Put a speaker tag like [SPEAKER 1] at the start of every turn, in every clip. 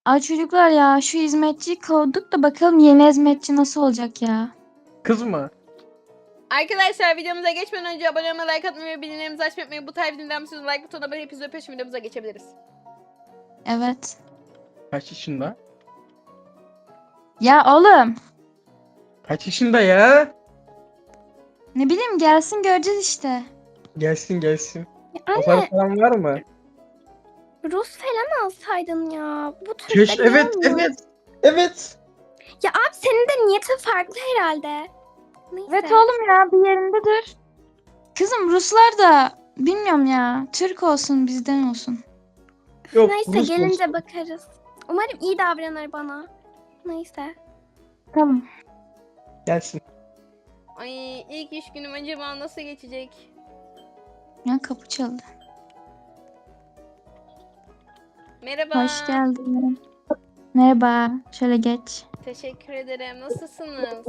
[SPEAKER 1] Ay çocuklar ya şu hizmetçiyi kovduk da bakalım yeni hizmetçi nasıl olacak ya.
[SPEAKER 2] Kız mı?
[SPEAKER 3] Arkadaşlar videomuza geçmeden önce abone olmayı, like atmayı ve bildirimlerimizi açmayı unutmayın. Bu tarz videodan sonra like butonuna basıp hepinizi öpüyorum. Videomuza geçebiliriz.
[SPEAKER 1] Evet.
[SPEAKER 2] Kaç yaşında?
[SPEAKER 1] Ya oğlum
[SPEAKER 2] Kaç yaşında ya?
[SPEAKER 1] ne bileyim gelsin göreceğiz işte.
[SPEAKER 2] Gelsin gelsin.
[SPEAKER 4] Anne,
[SPEAKER 2] Fotoğraf falan var mı?
[SPEAKER 4] Rus falan alsaydın ya. Bu Türkler
[SPEAKER 2] Keş evet
[SPEAKER 4] gelmiyor.
[SPEAKER 2] evet. Evet.
[SPEAKER 4] Ya abi senin de niyetin farklı herhalde. Neyse.
[SPEAKER 1] Evet oğlum ya bir yerinde dur. Kızım Ruslar da bilmiyorum ya. Türk olsun bizden olsun.
[SPEAKER 2] Yok,
[SPEAKER 4] Neyse
[SPEAKER 2] Rus
[SPEAKER 4] gelince
[SPEAKER 2] olsun.
[SPEAKER 4] bakarız. Umarım iyi davranır bana. Neyse.
[SPEAKER 1] Tamam.
[SPEAKER 2] Gelsin.
[SPEAKER 3] Ay ilk iş günüm acaba nasıl geçecek?
[SPEAKER 1] Ya kapı çaldı.
[SPEAKER 3] Merhaba.
[SPEAKER 1] Hoş geldin. Merhaba. Şöyle geç.
[SPEAKER 3] Teşekkür ederim. Nasılsınız?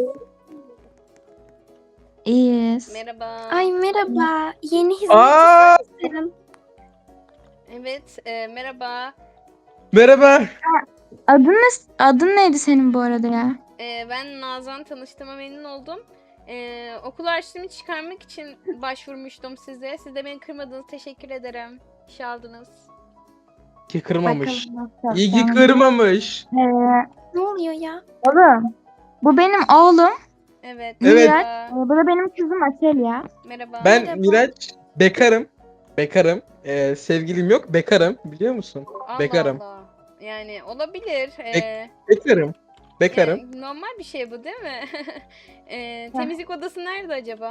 [SPEAKER 1] İyiyiz.
[SPEAKER 3] Merhaba.
[SPEAKER 4] Ay merhaba. Yeni
[SPEAKER 2] Aa!
[SPEAKER 4] hizmetçi sensin.
[SPEAKER 3] Evet, merhaba.
[SPEAKER 2] Merhaba.
[SPEAKER 1] Adın neydi senin bu arada ya?
[SPEAKER 3] Ben Nazan, tanıştığıma memnun oldum. Okul harçlığımı çıkarmak için başvurmuştum size. Siz de beni kırmadınız. Teşekkür ederim. İşe aldınız.
[SPEAKER 2] Ki kırmamış.
[SPEAKER 1] Bakalım nasıl
[SPEAKER 2] İyi ki
[SPEAKER 1] yapacağım.
[SPEAKER 2] kırmamış.
[SPEAKER 4] Ne oluyor ya?
[SPEAKER 1] Oğlum. Bu benim oğlum.
[SPEAKER 3] Evet.
[SPEAKER 2] Evet.
[SPEAKER 3] Merhaba.
[SPEAKER 1] Bu da benim kızım Aselya.
[SPEAKER 3] Merhaba.
[SPEAKER 2] Ben
[SPEAKER 4] Merhaba.
[SPEAKER 2] Miraç. Bekarım. Bekarım. Sevgilim yok. Bekarım. Biliyor musun?
[SPEAKER 3] Allah
[SPEAKER 2] Bekarım.
[SPEAKER 3] Allah. Yani olabilir.
[SPEAKER 2] Bekarım. Bekarım.
[SPEAKER 3] Yani normal bir şey bu değil mi? Temizlik odası nerede acaba?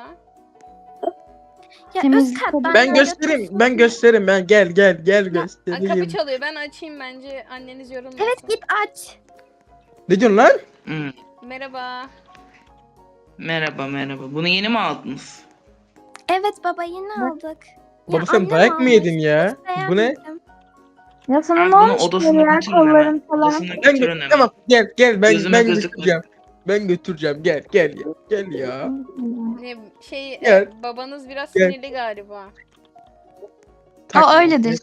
[SPEAKER 4] Ya
[SPEAKER 1] Temiz
[SPEAKER 4] üst kat
[SPEAKER 1] tabii.
[SPEAKER 2] Ben
[SPEAKER 4] böyle
[SPEAKER 2] göstereyim.
[SPEAKER 4] otursun.
[SPEAKER 2] Ben göstereyim. Ben gel
[SPEAKER 3] Aa,
[SPEAKER 2] göstereyim.
[SPEAKER 3] kapı çalıyor. Ben açayım bence. Anneniz yorulmasın.
[SPEAKER 4] Evet git aç.
[SPEAKER 2] Ne diyorsun lan?
[SPEAKER 5] Hmm,
[SPEAKER 3] Merhaba.
[SPEAKER 5] Merhaba merhaba. Bunu yeni mi aldınız?
[SPEAKER 4] Evet baba yeni aldık.
[SPEAKER 2] Baba sen
[SPEAKER 4] annem
[SPEAKER 2] dayak mı
[SPEAKER 4] almış,
[SPEAKER 2] yedin ya?
[SPEAKER 4] hiç
[SPEAKER 2] Bu ne?
[SPEAKER 4] beğenmedim.
[SPEAKER 1] Ya sana
[SPEAKER 5] Ben
[SPEAKER 1] ne
[SPEAKER 5] bunu
[SPEAKER 1] olmuş
[SPEAKER 5] odasına
[SPEAKER 1] böyle ya
[SPEAKER 5] götürün hemen.
[SPEAKER 1] kolların falan?
[SPEAKER 5] Odasına
[SPEAKER 2] Ben
[SPEAKER 5] götürün hemen.
[SPEAKER 2] tamam gel ben
[SPEAKER 5] Gözüme gözükme.
[SPEAKER 2] götüreceğim. Ben götüreceğim. Gel ya.
[SPEAKER 3] Ne şey
[SPEAKER 2] Gel.
[SPEAKER 3] babanız biraz
[SPEAKER 2] Gel.
[SPEAKER 3] sinirli galiba.
[SPEAKER 1] O
[SPEAKER 2] Takma.
[SPEAKER 1] öyledir.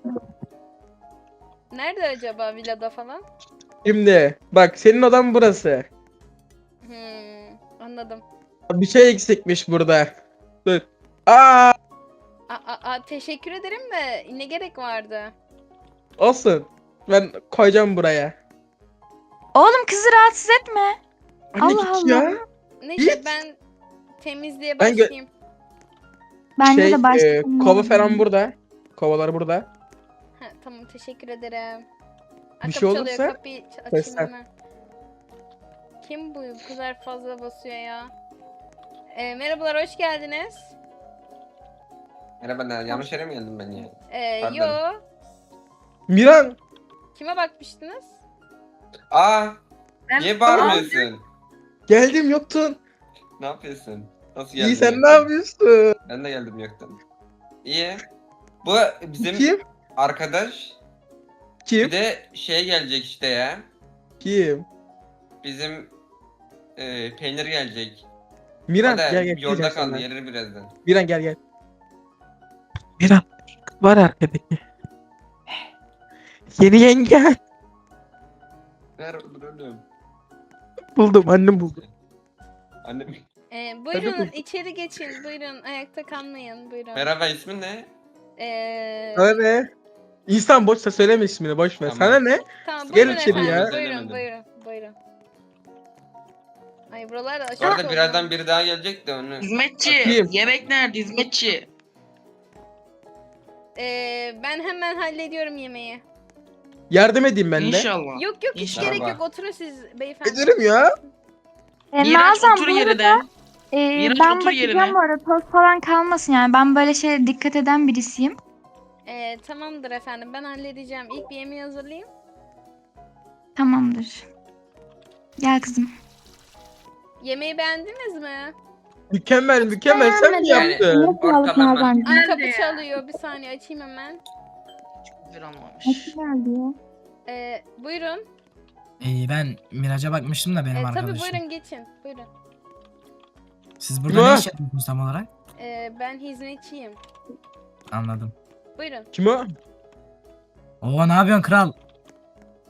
[SPEAKER 3] Nerede acaba villada falan?
[SPEAKER 2] Şimdi bak senin odan burası.
[SPEAKER 3] Anladım.
[SPEAKER 2] Bir şey eksikmiş burada. Dur. Aa,
[SPEAKER 3] Teşekkür ederim de ne gerek vardı?
[SPEAKER 2] olsun. Ben koyacağım buraya.
[SPEAKER 1] Oğlum kızı rahatsız etme.
[SPEAKER 2] Anne
[SPEAKER 1] Allah
[SPEAKER 2] git ya.
[SPEAKER 1] Allah.
[SPEAKER 3] Neyse
[SPEAKER 2] Git.
[SPEAKER 3] ben temizliğe
[SPEAKER 2] Ben gö-
[SPEAKER 3] başlayayım.
[SPEAKER 1] Bence de başlasın.
[SPEAKER 2] Kova falan burada. Kovalar burada.
[SPEAKER 3] Ha, tamam teşekkür ederim.
[SPEAKER 2] Bir
[SPEAKER 3] Kapı
[SPEAKER 2] şey
[SPEAKER 3] çalıyor,
[SPEAKER 2] olursa
[SPEAKER 3] kapıyı açayım
[SPEAKER 2] seslen.
[SPEAKER 3] hemen. Kim bu kadar fazla basıyor ya? Merhabalar, hoş geldiniz.
[SPEAKER 6] Merhaba, yanlış yere mi geldim ben ya? Pardon.
[SPEAKER 3] Yo,
[SPEAKER 2] Miran.
[SPEAKER 3] kime bakmıştınız?
[SPEAKER 6] Niye bağırmıyorsun?
[SPEAKER 2] Geldim yoktun.
[SPEAKER 6] Ne yapıyorsun? Nasıl geldin?
[SPEAKER 2] İyi sen
[SPEAKER 6] yoktan?
[SPEAKER 2] ne yapıyorsun?
[SPEAKER 6] Ben de geldim yoktan. İyi. Bu bizim
[SPEAKER 2] Kim?
[SPEAKER 6] arkadaş.
[SPEAKER 2] Kim?
[SPEAKER 6] Bir de şey gelecek işte ya.
[SPEAKER 2] Kim?
[SPEAKER 6] Bizim peynir gelecek.
[SPEAKER 2] Miran
[SPEAKER 6] O da
[SPEAKER 2] gel
[SPEAKER 6] yolda
[SPEAKER 2] diyeceğim
[SPEAKER 6] kaldı,
[SPEAKER 2] sana.
[SPEAKER 6] gelir birazdan.
[SPEAKER 2] Miran gel. Miran var arkadaki. Yeni yenge.
[SPEAKER 6] Ver oğlum.
[SPEAKER 2] Buldum annem buldu.
[SPEAKER 6] Annem.
[SPEAKER 3] Buyurun
[SPEAKER 2] buldum.
[SPEAKER 3] içeri geçin, buyurun ayakta kalmayın, buyurun.
[SPEAKER 6] Merhaba, ismin ne?
[SPEAKER 2] Sana ne? İnsan boşsa söyleme ismini boş ver.
[SPEAKER 6] Tamam.
[SPEAKER 2] Sana ne?
[SPEAKER 3] Tamam
[SPEAKER 2] Gel
[SPEAKER 3] buyurun
[SPEAKER 2] içeri
[SPEAKER 3] efendim,
[SPEAKER 2] ya.
[SPEAKER 3] buyurun,
[SPEAKER 6] Söylemedim.
[SPEAKER 3] buyurun. Ay buralar da
[SPEAKER 6] Bu
[SPEAKER 3] aşağı
[SPEAKER 6] arada birazdan biri daha gelecek de onu.
[SPEAKER 5] Hizmetçi.
[SPEAKER 2] Bakayım.
[SPEAKER 5] Yemek nerede hizmetçi?
[SPEAKER 3] Ben hemen hallediyorum yemeği.
[SPEAKER 2] Yardım edeyim ben de.
[SPEAKER 5] İnşallah.
[SPEAKER 3] Yok hiç
[SPEAKER 5] İnşallah.
[SPEAKER 3] gerek yok, oturun siz beyefendi.
[SPEAKER 2] Ederim ya.
[SPEAKER 5] Miraç
[SPEAKER 1] Nazan
[SPEAKER 5] otur
[SPEAKER 1] bu
[SPEAKER 5] yerine.
[SPEAKER 1] arada
[SPEAKER 5] Miraç
[SPEAKER 1] ben
[SPEAKER 5] otur
[SPEAKER 1] bakacağım
[SPEAKER 5] yerine.
[SPEAKER 1] bu arada toz falan kalmasın yani. Ben böyle şeye dikkat eden birisiyim.
[SPEAKER 3] Tamamdır efendim, ben halledeceğim. İlk bir yemeği hazırlayayım.
[SPEAKER 1] Tamamdır. Gel kızım.
[SPEAKER 3] Yemeği beğendiniz mi?
[SPEAKER 2] Mükemmel sen mi
[SPEAKER 4] beğenmedim.
[SPEAKER 2] yaptın?
[SPEAKER 1] Ne sağlık
[SPEAKER 6] ortalama.
[SPEAKER 1] Nazancığım.
[SPEAKER 3] Ay kapı çalıyor, bir saniye açayım hemen.
[SPEAKER 5] Güzel olmamış.
[SPEAKER 1] Nasıl geldi ya?
[SPEAKER 3] Buyurun.
[SPEAKER 7] Ben Miraç'a bakmıştım da benim
[SPEAKER 3] Tabii
[SPEAKER 7] arkadaşım.
[SPEAKER 3] buyurun geçin, buyurun.
[SPEAKER 7] Siz burada
[SPEAKER 2] Ne?
[SPEAKER 7] ne iş yapıyorsunuz tam olarak?
[SPEAKER 3] Ben hizmetçiyim.
[SPEAKER 7] Anladım.
[SPEAKER 3] Buyurun.
[SPEAKER 2] Kim o?
[SPEAKER 7] Oo ne yapıyorsun kral?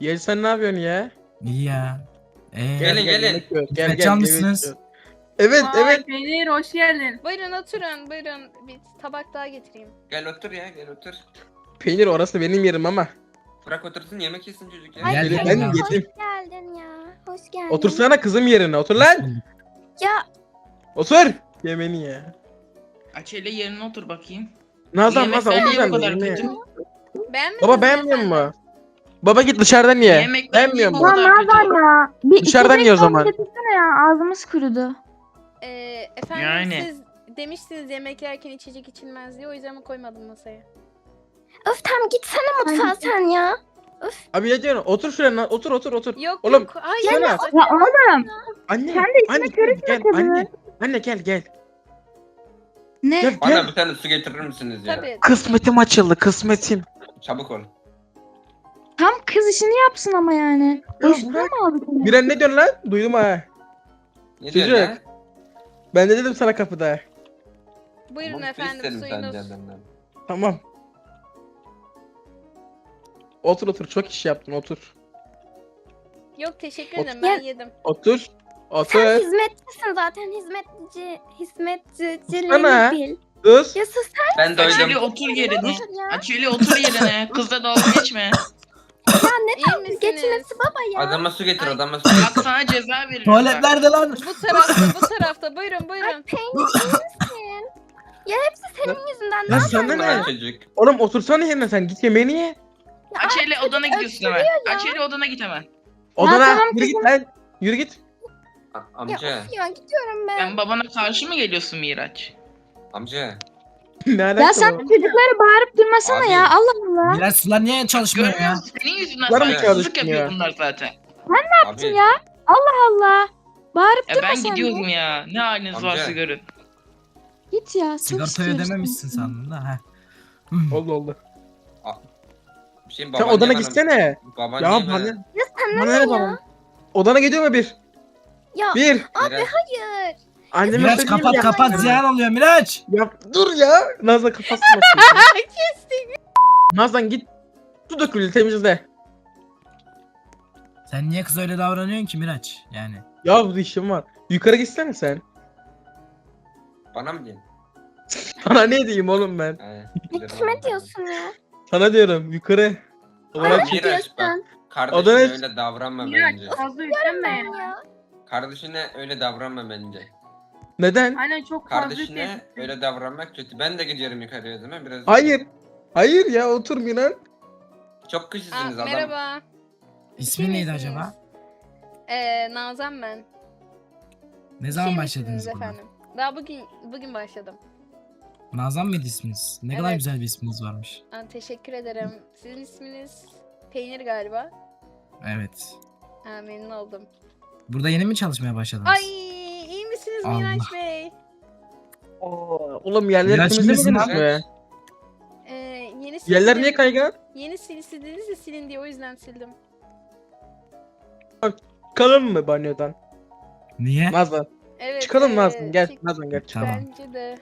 [SPEAKER 2] Gel sen ne yapıyorsun ya?
[SPEAKER 7] İyi ya.
[SPEAKER 6] Gelin, gelin.
[SPEAKER 2] yemek yiyoruz. Gel
[SPEAKER 7] Hizmetçi
[SPEAKER 2] gel.
[SPEAKER 7] almışsınız.
[SPEAKER 2] yemek yiyoruz. Evet evet.
[SPEAKER 8] Peynir hoş geldin.
[SPEAKER 3] Buyurun oturun buyurun. Bir tabak daha getireyim.
[SPEAKER 6] Gel otur ya, gel otur.
[SPEAKER 2] Peynir orası benim yerim ama.
[SPEAKER 6] Bırak otursun, yemek yesin çocuk ya.
[SPEAKER 4] Ay,
[SPEAKER 7] Gel,
[SPEAKER 2] Gelin,
[SPEAKER 7] gel,
[SPEAKER 2] ben
[SPEAKER 7] gel.
[SPEAKER 2] yedim.
[SPEAKER 4] Hoş geldin ya. Hoş geldin.
[SPEAKER 2] Otursana kızım yerine. Otur lan.
[SPEAKER 4] Ya
[SPEAKER 2] Otur. Yemeğini ya.
[SPEAKER 5] Açeli yerine otur bakayım.
[SPEAKER 2] Nazan
[SPEAKER 5] Yemekler
[SPEAKER 2] Nazan otur
[SPEAKER 5] niye
[SPEAKER 2] sen
[SPEAKER 5] bu
[SPEAKER 2] de
[SPEAKER 5] kadar
[SPEAKER 2] yerine.
[SPEAKER 5] kötü?
[SPEAKER 3] Beğenmediniz
[SPEAKER 2] Baba
[SPEAKER 3] mi
[SPEAKER 2] beğenmiyor
[SPEAKER 3] efendim?
[SPEAKER 2] mu? Baba git dışarıdan ye.
[SPEAKER 5] Yemekler
[SPEAKER 2] Beğenmiyor
[SPEAKER 5] niye
[SPEAKER 2] mu?
[SPEAKER 5] bu kadar kötü?
[SPEAKER 1] Ya. Bir
[SPEAKER 2] Dışarıdan
[SPEAKER 1] içecek
[SPEAKER 2] ye o
[SPEAKER 1] falan
[SPEAKER 2] zaman.
[SPEAKER 1] getirsene ya. Ağzımız kurudu.
[SPEAKER 3] Efendim
[SPEAKER 5] Yani.
[SPEAKER 3] siz demiştiniz yemek yerken içecek içilmez diye o yüzden mi koymadım masaya?
[SPEAKER 4] öf tamam gitsene mutfağa sen ya.
[SPEAKER 2] Abi ne diyorsun? Otur şuraya. Otur otur otur.
[SPEAKER 3] Yok
[SPEAKER 2] Oğlum,
[SPEAKER 3] yok. Hayır.
[SPEAKER 2] sana-
[SPEAKER 1] Ya oğlum.
[SPEAKER 2] Anne.
[SPEAKER 1] Sen de işine
[SPEAKER 2] anne,
[SPEAKER 1] karışma
[SPEAKER 2] gel,
[SPEAKER 1] tabii.
[SPEAKER 2] anne. Anne gel gel.
[SPEAKER 1] Ne?
[SPEAKER 2] Gel
[SPEAKER 6] Bana
[SPEAKER 2] gel.
[SPEAKER 6] bir tane su getirir misiniz ya?
[SPEAKER 3] Tabii.
[SPEAKER 2] Kısmetim açıldı kısmetim.
[SPEAKER 6] Çabuk ol.
[SPEAKER 1] Tam kız işini yapsın ama yani.
[SPEAKER 2] Ya
[SPEAKER 1] Boşuna
[SPEAKER 2] bırak.
[SPEAKER 1] mı aldık onu?
[SPEAKER 2] Miran ne diyorsun lan? Duydum ha.
[SPEAKER 6] Ne
[SPEAKER 2] Çocuk.
[SPEAKER 6] diyorsun ya?
[SPEAKER 2] Ben de dedim sana kapıda.
[SPEAKER 3] Buyurun
[SPEAKER 6] Tamam, su
[SPEAKER 3] efendim
[SPEAKER 6] isterim
[SPEAKER 3] suyunuz.
[SPEAKER 6] sence benden.
[SPEAKER 2] Tamam. Otur otur. Çok iş yaptın otur.
[SPEAKER 3] Yok teşekkür
[SPEAKER 2] Otur.
[SPEAKER 3] ederim ben yedim.
[SPEAKER 2] Otur.
[SPEAKER 4] Sen
[SPEAKER 2] Otur.
[SPEAKER 4] hizmetçisin zaten. Hizmetçiliğini
[SPEAKER 2] Sussana.
[SPEAKER 4] bil.
[SPEAKER 2] Sus.
[SPEAKER 4] Ya sus
[SPEAKER 6] Ben
[SPEAKER 5] Açeli
[SPEAKER 6] doydum.
[SPEAKER 5] otur yerine.
[SPEAKER 4] sen ya.
[SPEAKER 5] Açeli otur yerine. Kızla dalga geçme.
[SPEAKER 3] İyi misiniz?
[SPEAKER 4] Geçmesi baba ya.
[SPEAKER 6] Adama su getir,
[SPEAKER 3] Ay.
[SPEAKER 6] adama su
[SPEAKER 5] Bak
[SPEAKER 6] getir.
[SPEAKER 5] sana ceza veririm.
[SPEAKER 7] Tuvalet
[SPEAKER 5] bak.
[SPEAKER 7] nerede lan?
[SPEAKER 3] Bu tarafta buyurun buyurun.
[SPEAKER 4] Peynir iyi misin? Ya hepsi senin yüzünden. Ne
[SPEAKER 2] Ya
[SPEAKER 4] yapayım
[SPEAKER 2] sana
[SPEAKER 6] Lan
[SPEAKER 2] ne?
[SPEAKER 6] çocuk.
[SPEAKER 2] Oğlum otursana yerine sen. Git yemeğini ye.
[SPEAKER 4] ya?
[SPEAKER 5] Açeli odana gidiyorsun hemen.
[SPEAKER 4] ya.
[SPEAKER 5] Açeli odana git hemen.
[SPEAKER 2] Odana.
[SPEAKER 1] tamam
[SPEAKER 2] Yürü git lan. Yürü git.
[SPEAKER 4] Ya
[SPEAKER 6] Amca,
[SPEAKER 4] of ya gidiyorum ben.
[SPEAKER 5] Sen babana karşı mı geliyorsun Miraç?
[SPEAKER 6] amca.
[SPEAKER 2] Ne alaka
[SPEAKER 1] Ya sen
[SPEAKER 2] bu?
[SPEAKER 1] çocuklara bağırıp durmasana
[SPEAKER 6] Abi.
[SPEAKER 1] ya. Allah Allah.
[SPEAKER 7] Miraç sular niye çalışmıyor
[SPEAKER 5] Görmüyor
[SPEAKER 7] ya?
[SPEAKER 5] musun? Senin yüzünden
[SPEAKER 2] Var mı
[SPEAKER 5] saygısızlık
[SPEAKER 2] çalışmıyor?
[SPEAKER 5] yapıyor bunlar zaten.
[SPEAKER 6] Abi,
[SPEAKER 1] ya? Allah. Bağırıp
[SPEAKER 5] Ya
[SPEAKER 1] durma
[SPEAKER 5] ben
[SPEAKER 1] sen
[SPEAKER 5] gidiyorum
[SPEAKER 1] de.
[SPEAKER 5] ya. Ne haliniz
[SPEAKER 6] Amca.
[SPEAKER 5] varsa görün.
[SPEAKER 1] Git ya. Çok
[SPEAKER 7] Sigortayı
[SPEAKER 1] istiyoruz
[SPEAKER 7] ödememişsin
[SPEAKER 1] seni.
[SPEAKER 7] sandım da. Heh.
[SPEAKER 2] Oldu oldu.
[SPEAKER 6] bir şey
[SPEAKER 2] Sen
[SPEAKER 6] baban
[SPEAKER 2] odana
[SPEAKER 6] niye bana-
[SPEAKER 2] gitsene.
[SPEAKER 6] Baban
[SPEAKER 2] Ya
[SPEAKER 6] niye
[SPEAKER 2] bana.
[SPEAKER 6] bana-
[SPEAKER 4] Ya sen
[SPEAKER 2] Bana ne bana? Odana gidiyor mu bir?
[SPEAKER 4] Ya
[SPEAKER 2] Bir.
[SPEAKER 4] abi
[SPEAKER 6] Biraz-
[SPEAKER 4] hayır.
[SPEAKER 2] Anneme
[SPEAKER 7] Miraç
[SPEAKER 2] söyleyeyim
[SPEAKER 7] kapat
[SPEAKER 2] ya.
[SPEAKER 7] kapat ziyan oluyor Miraç.
[SPEAKER 2] Ya dur ya. Nazan kapatsın. Nazan git. Su dökülü temizle.
[SPEAKER 7] Sen niye kız öyle davranıyorsun ki Miraç? Yani.
[SPEAKER 2] Ya bu işim var. Yukarı gitsene sen.
[SPEAKER 6] Bana mı diyorsun?
[SPEAKER 2] Sana ne diyeyim oğlum ben?
[SPEAKER 4] Ne kime diyorsun ya?
[SPEAKER 2] Sana diyorum yukarı. Odana
[SPEAKER 6] Bana
[SPEAKER 2] git.
[SPEAKER 6] Miraç bak.
[SPEAKER 4] Diyorsun.
[SPEAKER 6] Kardeşine
[SPEAKER 2] Odana-
[SPEAKER 6] öyle davranma
[SPEAKER 8] Miraç
[SPEAKER 6] bence.
[SPEAKER 8] fazla yüklenme
[SPEAKER 4] Ben
[SPEAKER 8] ya.
[SPEAKER 4] ya.
[SPEAKER 6] Kardeşine öyle davranma bence.
[SPEAKER 2] Neden?
[SPEAKER 8] Aynen çok fazla
[SPEAKER 6] Kardeşine
[SPEAKER 8] yüklenme.
[SPEAKER 6] öyle davranmak kötü. Ben de gidiyorum yukarıya değil mi? Biraz.
[SPEAKER 2] Hayır. Hayır ya otur Miran.
[SPEAKER 6] Çok
[SPEAKER 3] Aa,
[SPEAKER 6] kışısınız adam.
[SPEAKER 3] merhaba.
[SPEAKER 7] İsmi neydi
[SPEAKER 3] misiniz?
[SPEAKER 7] acaba?
[SPEAKER 3] Nazan ben.
[SPEAKER 7] Ne zaman
[SPEAKER 3] Şey
[SPEAKER 7] başladınız
[SPEAKER 3] misiniz
[SPEAKER 7] buna?
[SPEAKER 3] efendim? Daha bugün başladım.
[SPEAKER 7] Nazan mıydı isminiz? Ne kadar
[SPEAKER 3] Evet.
[SPEAKER 7] güzel bir isminiz varmış.
[SPEAKER 3] Teşekkür ederim. Sizin isminiz Peynir galiba.
[SPEAKER 7] Evet.
[SPEAKER 3] Memnun oldum.
[SPEAKER 7] Burada yeni mi çalışmaya başladınız?
[SPEAKER 3] Ay iyi misiniz
[SPEAKER 7] Allah.
[SPEAKER 3] Miraç Bey?
[SPEAKER 2] Oğlum yerleri
[SPEAKER 7] Miraç
[SPEAKER 2] temizlemediniz
[SPEAKER 7] bilirsin
[SPEAKER 2] mi?
[SPEAKER 3] Yeni
[SPEAKER 2] Yerler
[SPEAKER 3] sildim-
[SPEAKER 2] niye kaygan?
[SPEAKER 3] Yeni sildiniz de silin diye o yüzden sildim.
[SPEAKER 2] Çıkalım mı banyodan?
[SPEAKER 7] Niye?
[SPEAKER 2] Nazan.
[SPEAKER 3] Evet.
[SPEAKER 2] Çıkalım Nazan gel.
[SPEAKER 3] çık-
[SPEAKER 2] Nazan gel.
[SPEAKER 7] Tamam.
[SPEAKER 3] Bence de.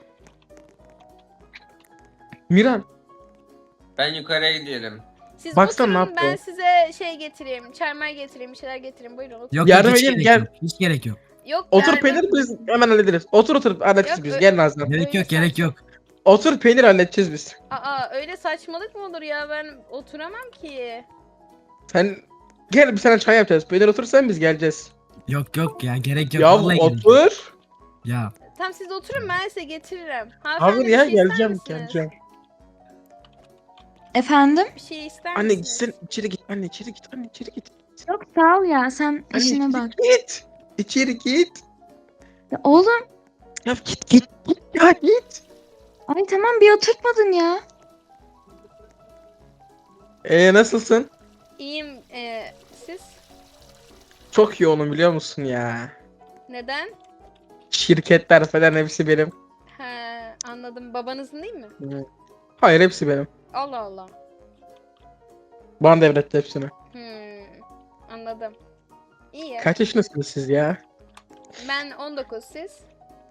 [SPEAKER 2] Miran.
[SPEAKER 6] Ben yukarıya gidiyorum.
[SPEAKER 3] Siz
[SPEAKER 2] Baksana ne
[SPEAKER 3] oturun ben
[SPEAKER 2] yapıyor?
[SPEAKER 3] size şey getireyim. Çermer getireyim. Bir şeyler getireyim. Buyurun oturun.
[SPEAKER 7] Yok
[SPEAKER 2] Yardım
[SPEAKER 7] yok hiç
[SPEAKER 2] edeyim,
[SPEAKER 7] gerek
[SPEAKER 2] gel.
[SPEAKER 7] yok. Hiç gerek yok.
[SPEAKER 3] Yok
[SPEAKER 2] Otur
[SPEAKER 3] yani-
[SPEAKER 2] peynir biz hemen hallederiz. Otur hallederiz
[SPEAKER 3] Yok,
[SPEAKER 2] biz.
[SPEAKER 3] ö-
[SPEAKER 2] Gel Nazan.
[SPEAKER 7] Gerek
[SPEAKER 3] Öyle
[SPEAKER 7] yok gerek yok.
[SPEAKER 2] Otur peynir halledeceğiz biz.
[SPEAKER 3] Aa öyle saçmalık mı olur ya? Ben oturamam ki.
[SPEAKER 2] Sen gel bir sana çay yapacağız. Peynir otursan biz geleceğiz.
[SPEAKER 7] Yok yok ya gerek yok.
[SPEAKER 2] Ya
[SPEAKER 7] Vallahi gerek yok.
[SPEAKER 3] E,
[SPEAKER 2] otur.
[SPEAKER 7] Ya
[SPEAKER 3] Tamam siz oturun ben size getiririm. Hanımefendi
[SPEAKER 2] Hayır
[SPEAKER 3] bir
[SPEAKER 2] ya
[SPEAKER 3] şey ister
[SPEAKER 2] geleceğim
[SPEAKER 3] misiniz?
[SPEAKER 2] geleceğim.
[SPEAKER 1] Efendim?
[SPEAKER 3] Bir şey ister
[SPEAKER 2] Anne
[SPEAKER 3] misiniz?
[SPEAKER 2] gitsin içeri git. Anne içeri git. Anne içeri git.
[SPEAKER 1] Yok sağ ol ya. Sen
[SPEAKER 2] Anne
[SPEAKER 1] işine
[SPEAKER 2] içeri
[SPEAKER 1] bak.
[SPEAKER 2] git. İçeri git.
[SPEAKER 1] Ya oğlum.
[SPEAKER 2] Ya git. Ya git.
[SPEAKER 1] Ay tamam bir oturtmadın ya.
[SPEAKER 2] Nasılsın?
[SPEAKER 3] İyiyim. Siz?
[SPEAKER 2] Çok iyi onun biliyor musun ya?
[SPEAKER 3] Neden?
[SPEAKER 2] Şirketler falan hepsi benim.
[SPEAKER 3] He anladım. Babanızın değil mi?
[SPEAKER 2] Hayır hepsi benim.
[SPEAKER 3] Allah Allah.
[SPEAKER 2] Bana devretti hepsini.
[SPEAKER 3] Anladım. İyi ya.
[SPEAKER 2] Kaç yaşındasınız siz ya?
[SPEAKER 3] Ben 19 siz?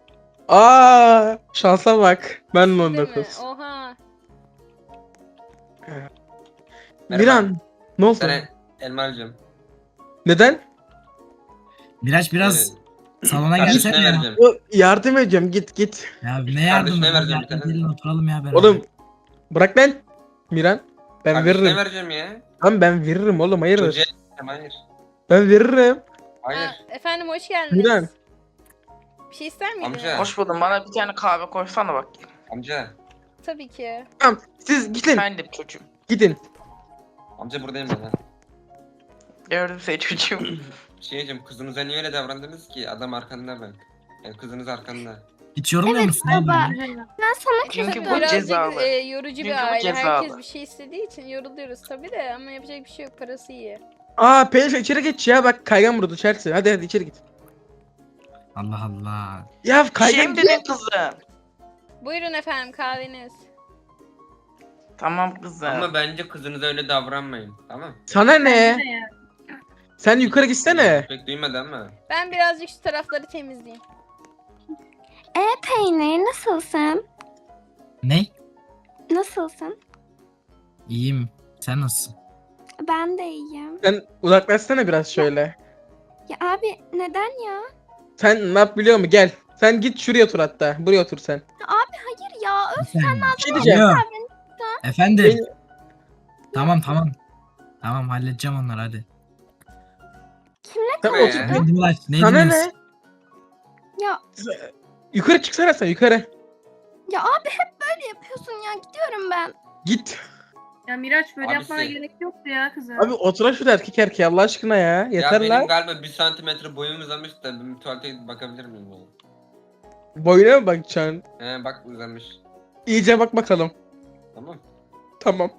[SPEAKER 2] Şansa bak. Ben de
[SPEAKER 3] Değil mi?
[SPEAKER 2] 19.
[SPEAKER 3] Oha.
[SPEAKER 6] Merhaba.
[SPEAKER 2] Miran ne oldu?
[SPEAKER 6] Sana Elmalcığım.
[SPEAKER 2] Neden?
[SPEAKER 7] Miraç biraz salona
[SPEAKER 6] Kardeşine
[SPEAKER 7] gelsene ya.
[SPEAKER 6] vereceğim.
[SPEAKER 2] Yardım edeceğim, git.
[SPEAKER 7] Ya ne yardım
[SPEAKER 6] Kardeşine vereceğim
[SPEAKER 7] ya?
[SPEAKER 6] bir tane.
[SPEAKER 7] Gelin oturalım ya beraber.
[SPEAKER 2] Oğlum bırak lan. Miran. Ben
[SPEAKER 6] Kardeşine
[SPEAKER 2] veririm.
[SPEAKER 6] vereceğim ya.
[SPEAKER 2] Tamam ben veririm oğlum, hayırdır.
[SPEAKER 6] Çocuğa hayır.
[SPEAKER 2] Ben veririm.
[SPEAKER 6] Hayır.
[SPEAKER 3] Ha, efendim hoş geldiniz.
[SPEAKER 2] Miran.
[SPEAKER 3] Bir şey ister miydiniz?
[SPEAKER 6] Amca.
[SPEAKER 5] Hoş buldum. Bana bir tane kahve koysana bak.
[SPEAKER 6] Amca.
[SPEAKER 3] Tabii ki.
[SPEAKER 2] Tamam siz gidin.
[SPEAKER 5] Efendim çocuğum.
[SPEAKER 2] Gidin.
[SPEAKER 6] Amca buradayım ben.
[SPEAKER 5] Gördüm seni çocuğum.
[SPEAKER 6] Şeyciğim kızınıza niye öyle davrandınız ki? Adam arkanda bak. Yani kızınız arkanda.
[SPEAKER 7] Hiç yorulmuyor musun abi?
[SPEAKER 4] baba. Ben sana
[SPEAKER 5] Çünkü
[SPEAKER 4] kızdım.
[SPEAKER 5] bu
[SPEAKER 3] Birazcık
[SPEAKER 5] cezalı.
[SPEAKER 3] yorucu
[SPEAKER 5] Çünkü
[SPEAKER 3] bir
[SPEAKER 5] bu
[SPEAKER 3] aile.
[SPEAKER 5] cezalı.
[SPEAKER 3] Herkes bir şey istediği için yoruluyoruz tabii de ama yapacak bir şey yok. Parası iyi.
[SPEAKER 2] Aa Pelin içeri geç ya, bak kaygan burada Chelsea. Hadi içeri git.
[SPEAKER 7] Allah Allah.
[SPEAKER 2] Ya
[SPEAKER 5] Bir şey
[SPEAKER 2] kaygan
[SPEAKER 5] mi dedin kızım?
[SPEAKER 3] Buyurun efendim kahveniz.
[SPEAKER 5] Tamam kızım.
[SPEAKER 6] Ama bence kızınıza öyle davranmayın. Tamam.
[SPEAKER 2] Sana ne? Sen yukarı gitsene.
[SPEAKER 6] Pek duymadı ama.
[SPEAKER 3] Ben birazcık şu tarafları temizleyeyim.
[SPEAKER 4] Peynir nasılsın?
[SPEAKER 7] Ne?
[SPEAKER 4] Nasılsın?
[SPEAKER 7] İyiyim. Sen nasılsın?
[SPEAKER 4] Ben de iyiyim.
[SPEAKER 2] Sen uzaklaşsana biraz şöyle.
[SPEAKER 4] Ya abi neden ya?
[SPEAKER 2] Sen ne yap biliyor musun? Gel. Sen git şuraya otur hatta. Buraya otur sen.
[SPEAKER 4] Hayır ya öf.
[SPEAKER 2] Bir şey diyeceğim.
[SPEAKER 7] Alo. Efendim.
[SPEAKER 2] Beni-
[SPEAKER 7] Tamam. Tamam halledeceğim onları hadi.
[SPEAKER 4] Kimle
[SPEAKER 2] Sen
[SPEAKER 6] Ne?
[SPEAKER 2] otur.
[SPEAKER 7] Ne Miraç? Ne
[SPEAKER 2] Sana
[SPEAKER 7] dinliyorsun?
[SPEAKER 2] ne?
[SPEAKER 4] Ya
[SPEAKER 2] Yukarı çıksana sen yukarı.
[SPEAKER 4] ya abi hep böyle yapıyorsun ya. Gidiyorum ben.
[SPEAKER 2] Git.
[SPEAKER 8] Ya Miraç böyle
[SPEAKER 6] Abisi.
[SPEAKER 8] yapmana gerek yoktu ya kızım.
[SPEAKER 2] Abi otur şurada erkek erkeğe Allah aşkına ya.
[SPEAKER 6] Ya
[SPEAKER 2] Yeter
[SPEAKER 6] benim
[SPEAKER 2] lan.
[SPEAKER 6] galiba 1 santimetre boyum uzamış da bir tuvalete gidip bakabilir miyim ya?
[SPEAKER 2] Boyuna mı bakacaksın?
[SPEAKER 6] He bak uzamış.
[SPEAKER 2] İyice bak bakalım.
[SPEAKER 6] Tamam.
[SPEAKER 2] Tamam.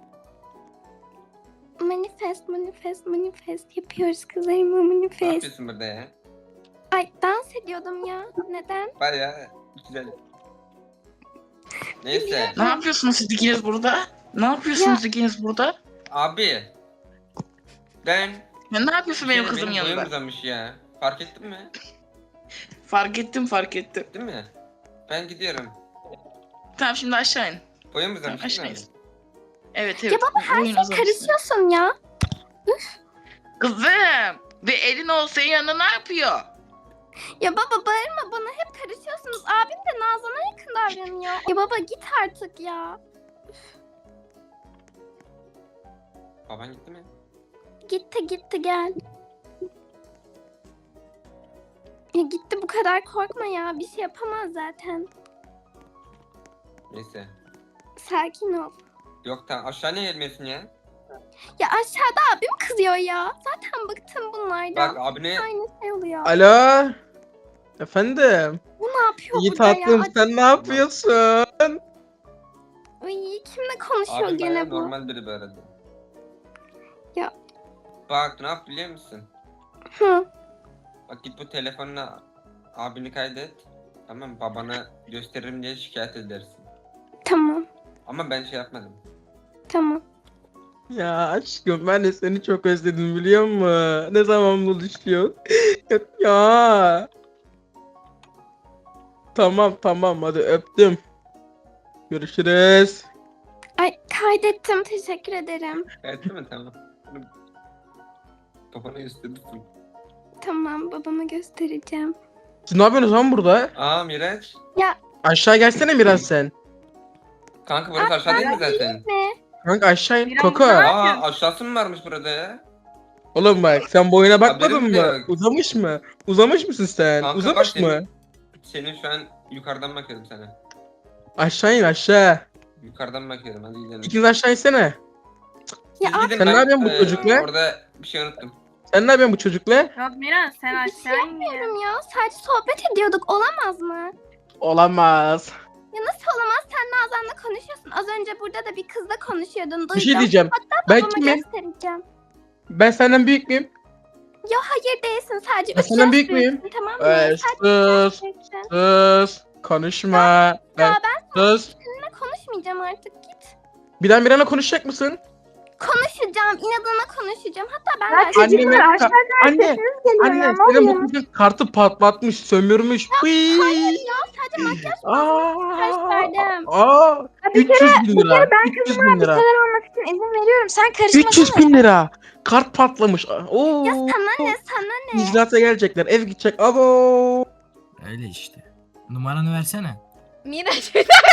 [SPEAKER 4] Manifest yapıyoruz kızlarıma
[SPEAKER 6] Ne
[SPEAKER 4] manifest.
[SPEAKER 6] yapıyorsun burada ya?
[SPEAKER 4] Ay dans ediyordum ya. Neden?
[SPEAKER 6] Baya güzel. Neyse.
[SPEAKER 5] Ne yapıyorsunuz siz ikiniz burada? Ne yapıyorsunuz ikiniz burada?
[SPEAKER 6] Abi. Ben...
[SPEAKER 5] Ya ne yapıyorsun benim
[SPEAKER 6] Şey,
[SPEAKER 5] kızım
[SPEAKER 6] boyum
[SPEAKER 5] yanında?
[SPEAKER 6] uzamış ya. Fark ettin mi?
[SPEAKER 5] Fark ettim.
[SPEAKER 6] Değil mi? Ben gidiyorum.
[SPEAKER 5] Tamam şimdi aşağı in.
[SPEAKER 6] Boyum uzamış
[SPEAKER 5] Aşağı
[SPEAKER 6] değil mi?
[SPEAKER 5] in. Evet.
[SPEAKER 4] Ya baba her
[SPEAKER 5] Boyun
[SPEAKER 4] şeye
[SPEAKER 5] uzamış.
[SPEAKER 4] karışıyorsun ya.
[SPEAKER 5] Kızım. Bir elin olsa yanında ne yapıyor?
[SPEAKER 4] Ya baba bağırma bana hep karışıyorsunuz. Abim de Nazan'a yakın davranıyor. Ya baba git artık ya.
[SPEAKER 6] Baban gitti mi?
[SPEAKER 4] Gitti gel. Ya gitti bu kadar korkma ya. Bir şey yapamaz zaten.
[SPEAKER 6] Neyse.
[SPEAKER 4] Sakin ol.
[SPEAKER 6] Yok tamam aşağı niye gelmiyorsun ya?
[SPEAKER 4] Ya aşağıda abim kızıyor ya. Zaten bıktım bunlardan.
[SPEAKER 6] Bak abine...
[SPEAKER 4] Aynı şey oluyor.
[SPEAKER 2] Alo. Efendim.
[SPEAKER 4] Bu ne yapıyor
[SPEAKER 2] İyi
[SPEAKER 4] burada
[SPEAKER 2] tatlım
[SPEAKER 4] ya?
[SPEAKER 2] sen ne yapıyorsun?
[SPEAKER 4] Ay, kimle konuşuyor
[SPEAKER 6] Abim bayağı
[SPEAKER 4] gene bu?
[SPEAKER 6] normal biri bu arada.
[SPEAKER 4] Ya.
[SPEAKER 6] Bak ne yap biliyor musun?
[SPEAKER 4] Hı.
[SPEAKER 6] Bak git bu telefonla abini kaydet. Tamam babana gösteririm diye şikayet edersin.
[SPEAKER 4] Tamam.
[SPEAKER 6] Ama ben şey yapmadım.
[SPEAKER 4] Tamam.
[SPEAKER 2] Ya aşkım ben de seni çok özledim biliyor musun? Ne zaman buluşuyor? Ya. Tamam hadi öptüm. Görüşürüz.
[SPEAKER 4] Ay kaydettim. Teşekkür ederim.
[SPEAKER 6] Evet mi tamam. Babana gösterirsin.
[SPEAKER 4] Tamam babama göstereceğim.
[SPEAKER 2] Siz ne yapıyorsunuz lan burada?
[SPEAKER 6] Aa Miraç.
[SPEAKER 2] Aşağı gelsene biraz sen.
[SPEAKER 6] Kanka burası aşağı değil mi zaten?
[SPEAKER 4] Ne?
[SPEAKER 2] Kanka aşağı in.
[SPEAKER 8] Biraz
[SPEAKER 2] Koko.
[SPEAKER 8] daha-
[SPEAKER 6] Aa aşağısı mı varmış burada ya?
[SPEAKER 2] Oğlum bak sen boyuna bakmadın
[SPEAKER 6] Haberim
[SPEAKER 2] mı?
[SPEAKER 6] yok.
[SPEAKER 2] Uzamış mı? Uzamış mısın sen?
[SPEAKER 6] Kanka
[SPEAKER 2] Uzamış
[SPEAKER 6] bak
[SPEAKER 2] mı?
[SPEAKER 6] Senin şu an yukarıdan bakıyorum sana.
[SPEAKER 2] Aşağı in aşağı.
[SPEAKER 6] Yukarıdan bakıyorum hadi gidelim.
[SPEAKER 2] İkiniz aşağı insene.
[SPEAKER 4] Ya
[SPEAKER 6] Siz
[SPEAKER 4] abi
[SPEAKER 6] gidin,
[SPEAKER 2] Sen ne
[SPEAKER 6] ben,
[SPEAKER 2] yapıyorsun bu çocukla?
[SPEAKER 6] Orada bir şey unuttum.
[SPEAKER 2] Sen ne yapıyorsun bu çocukla?
[SPEAKER 8] Ya Miraç sen
[SPEAKER 4] bir şey
[SPEAKER 8] aşağı in ya.
[SPEAKER 4] yapmıyorum ya. Sadece sohbet ediyorduk. Olamaz mı?
[SPEAKER 2] Olamaz.
[SPEAKER 4] Ya nasıl olamaz? Sen Nazan'la konuşuyorsun. Az önce burada da bir kızla konuşuyordun. Duydum.
[SPEAKER 2] Bir şey diyeceğim. Ben
[SPEAKER 4] Babama
[SPEAKER 2] kimim?
[SPEAKER 4] göstereceğim.
[SPEAKER 2] Ben senden büyük müyüm?
[SPEAKER 4] Ya hayır değilsin. Sadece
[SPEAKER 2] Ben
[SPEAKER 4] 3
[SPEAKER 2] senden
[SPEAKER 4] yaş
[SPEAKER 2] büyük müyüm?
[SPEAKER 4] büyüksün, tamam mı? Sadece
[SPEAKER 2] Sus.
[SPEAKER 4] büyüksün.
[SPEAKER 2] Sus. Konuşma.
[SPEAKER 4] Ya
[SPEAKER 2] Sus.
[SPEAKER 4] Seninle konuşmayacağım artık. Git.
[SPEAKER 2] Birden birine konuşacak mısın?
[SPEAKER 4] Konuşacağım. İnadına konuşacağım. Hatta ben
[SPEAKER 1] Ya
[SPEAKER 4] belki...
[SPEAKER 1] çocuklar
[SPEAKER 2] Anne,
[SPEAKER 1] aşağıdan
[SPEAKER 2] anne,
[SPEAKER 1] sesiniz geliyor
[SPEAKER 2] Anne
[SPEAKER 1] ya. Ne
[SPEAKER 2] senin
[SPEAKER 1] oluyor?
[SPEAKER 2] bu kızın kartı patlatmış, sömürmüş.
[SPEAKER 4] Hayır ya sadece makyaj
[SPEAKER 2] Aa,
[SPEAKER 4] verdim.
[SPEAKER 1] Ya bir
[SPEAKER 2] 300 bin
[SPEAKER 1] Bir
[SPEAKER 2] lira.
[SPEAKER 1] kere ben
[SPEAKER 2] 300
[SPEAKER 1] kızıma
[SPEAKER 2] bin
[SPEAKER 1] bir
[SPEAKER 2] lira.
[SPEAKER 1] şeyler olması için izin veriyorum. Sen
[SPEAKER 2] 300
[SPEAKER 1] karışmasana.
[SPEAKER 2] bin lira. Kart patlamış. Oo.
[SPEAKER 4] Ya sana ne sana ne?
[SPEAKER 2] İcraata gelecekler. Ev gidecek. Abo.
[SPEAKER 7] Öyle işte. Numaranı versene.
[SPEAKER 3] Miraç.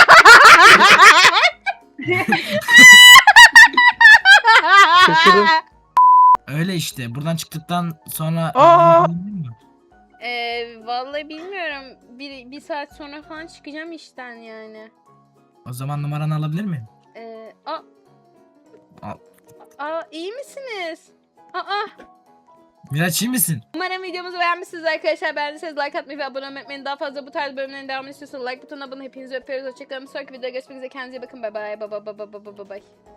[SPEAKER 2] Şaşırdım.
[SPEAKER 7] Öyle işte. Buradan çıktıktan sonra...
[SPEAKER 2] Aa!
[SPEAKER 3] Vallahi bilmiyorum. Bir saat sonra falan çıkacağım işten yani.
[SPEAKER 7] O zaman numaranı alabilir miyim?
[SPEAKER 3] Aa.
[SPEAKER 7] Al.
[SPEAKER 3] Aa, iyi misiniz? Aa.
[SPEAKER 7] Miraç iyi misin?
[SPEAKER 3] Umarım videomuzu beğenmişsiniz arkadaşlar. Beğendiyseniz like atmayı ve abone olmayı unutmayın. Daha fazla bu tarz bölümlerin devamını istiyorsanız like butonuna abone. Hepinizi öpüyoruz. Hoşçakalın. Bir sonraki videoda görüşmek üzere. Kendinize iyi bakın. Bay bay. Bay bay.